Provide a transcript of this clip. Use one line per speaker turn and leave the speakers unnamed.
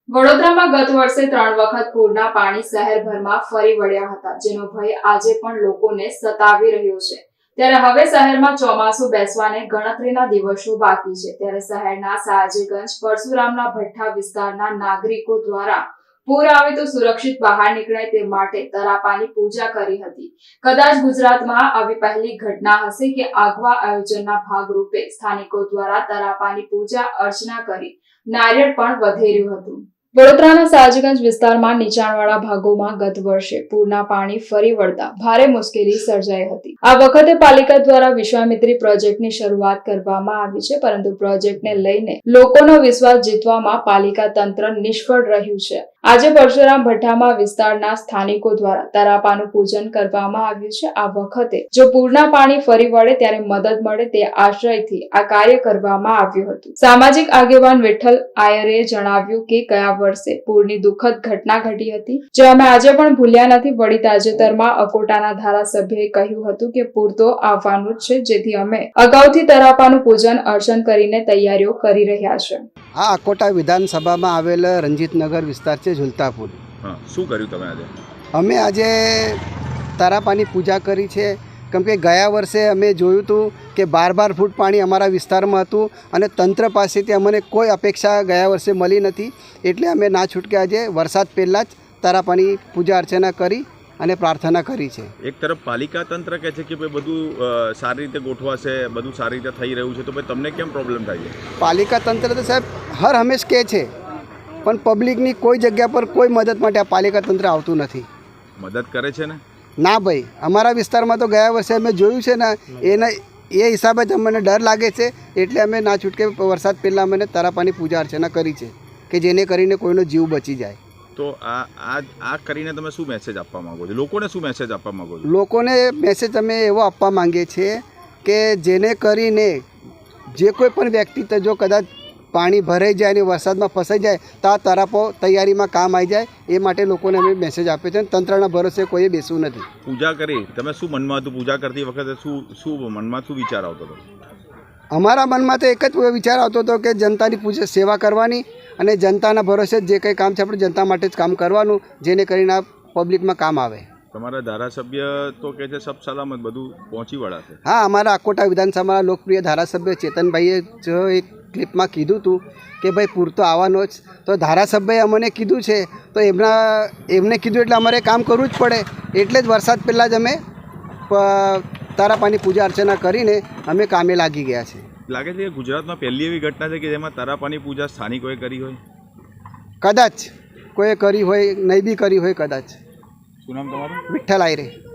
વડોદરામાં ગત વર્ષે 3 વખત પૂરના પાણી શહેરભરમાં ફરી વળ્યા હતા, જેનો ભય આજે પણ લોકોને સતાવી રહ્યો છે। ત્યારે હવે શહેરમાં ચોમાસું બેસવાને ગણતરીના દિવસો બાકી છે। ત્યારે શહેરના સયાજીગંજ પરશુરામના ભઠ્ઠા વિસ્તારના નાગરિકો દ્વારા પૂર આવે તો સુરક્ષિત બહાર નીકળાય તે માટે તરાપાની પૂજા કરી હતી। કદાચ ગુજરાતમાં આવી પહેલી ઘટના હશે કે આગવા આયોજનના ભાગરૂપે સ્થાનિકો દ્વારા તરાપાની પૂજા અર્ચના કરી નારિયેળ પણ વધેર્યું હતું। વડોદરાના સયાજીગંજ વિસ્તારમાં નીચાણવાળા ભાગોમાં ગત વર્ષે પૂરના પાણી ફરી વળતા ભારે મુશ્કેલી સર્જાઈ હતી। આ વખતે પાલિકા દ્વારા વિશ્વામિત્રી પ્રોજેક્ટની શરૂઆત કરવામાં આવી છે, પરંતુ પ્રોજેક્ટને લઈને લોકોનો વિશ્વાસ જીતવામાં પાલિકા તંત્ર નિષ્ફળ રહ્યું છે। આજે પરશુરામ ભઠ્ઠામાં વિસ્તારના સ્થાનિકો દ્વારા તરાપાનું પૂજન કરવામાં આવ્યું છે। આ વખતે જો પૂરના પાણી ફરી વળે ત્યારે મદદ મળે તે આશ્રયથી આ કાર્ય કરવામાં આવ્યું હતું। સામાજિક આગેવાન વિઠ્ઠલ આયરે જણાવ્યું કે ગયા વર્ષે પૂરની દુઃખદ ઘટના ઘટી હતી, જે અમે આજે પણ ભૂલ્યા નથી। વળી તાજેતરમાં અકોટાના ધારાસભ્યએ કહ્યું હતું કે પૂર તો આવવાનું જ છે, જેથી અમે અગાઉથી તરાપાનું પૂજન અર્ચન કરીને તૈયારીઓ કરી રહ્યા છે।
આ અકોટા વિધાનસભામાં આવેલ રંજીતનગર વિસ્તાર છે, ઝુલતાપુર।
શું કર્યું તમે આજે?
અમે આજે તરાપાની પૂજા કરી છે, કેમ કે ગયા વર્ષે અમે જોયું હતું કે 12 ફૂટ પાણી અમારા વિસ્તારમાં હતું અને તંત્ર પાસેથી અમને કોઈ અપેક્ષા ગયા વર્ષે મળી નથી, એટલે અમે ના છૂટકે આજે વરસાદ પહેલાં જ તરાપાની પૂજા અર્ચના કરી અને પ્રાર્થના કરી છે।
એક તરફ પાલિકા તંત્ર કહે છે કે ભાઈ બધું સારી રીતે ગોઠવાશે, બધું સારી રીતે થઈ રહ્યું છે, તો ભાઈ તમને કેમ પ્રોબ્લેમ થાય છે?
પાલિકા તંત્ર તો સાહેબ હર હંમેશ કહે છે, પણ પબ્લિકની કોઈ જગ્યા પર કોઈ મદદ માટે આ પાલિકા તંત્ર આવતું નથી।
મદદ કરે છે ને?
ના ભાઈ, અમારા વિસ્તારમાં તો ગયા વર્ષે અમે જોયું છે ને, એ હિસાબે જ અમને ડર લાગે છે, એટલે અમે ના છૂટકે વરસાદ પહેલાં અમે તરાપાની પૂજા અર્ચના કરી છે કે જેને કરીને કોઈનો જીવ બચી જાય।
તો આ કરીને તમે શું મેસેજ આપવા માંગો છો? લોકોને શું મેસેજ આપવા માંગો છો?
લોકોને મેસેજ અમે એવો આપવા માંગીએ છીએ કે જેને કરીને જે કોઈ પણ વ્યક્તિ જો કદાચ પાણી ભરાઈ જાય અને વરસાદમાં ફસાઈ જાય તો આ તરાપો તૈયારીમાં કામ આવી જાય, એ માટે લોકોને અમે મેસેજ આપીએ છીએ। તંત્રના ભરોસે કોઈએ બેસવું નથી।
પૂજા કરી તમે શું મનમાં હતું? પૂજા કરતી વખતે શું મનમાં શું વિચાર આવતો હતો?
અમારા મનમાં તો એક જ વિચાર આવતો હતો કે જનતાની પૂજા સેવા કરવાની અને જનતાના ભરોસે જે કંઈ કામ છે આપણે જનતા માટે જ કામ કરવાનું, જેને કરીને આ પબ્લિકમાં કામ આવે।
તમારા ધારાસભ્ય તો કહે છે સબ સલામત બધું પહોંચી વળાશે?
હા, અમારા અકોટા વિધાનસભાના લોકપ્રિય ધારાસભ્ય ચેતનભાઈએ જો એક ક્લિપમાં કીધું હતું કે ભાઈ પૂર તો આવવાનો જ, તો ધારાસભ્યએ અમને કીધું છે તો એમને કીધું એટલે અમારે કામ કરવું જ પડે, એટલે જ વરસાદ પહેલાં જ અમે તરાપાની પૂજા અર્ચના કરીને અમે કામે લાગી ગયા છે।
લાગે છે કે ગુજરાતમાં પહેલી એવી ઘટના છે કે જેમાં તરાપાની પૂજા સ્થાનિકોએ કરી હોય?
કદાચ કોઈએ કરી હોય, નહીં બી કરી હોય કદાચ।
શું નામ તમારું?
વિઠ્ઠલ આયરે।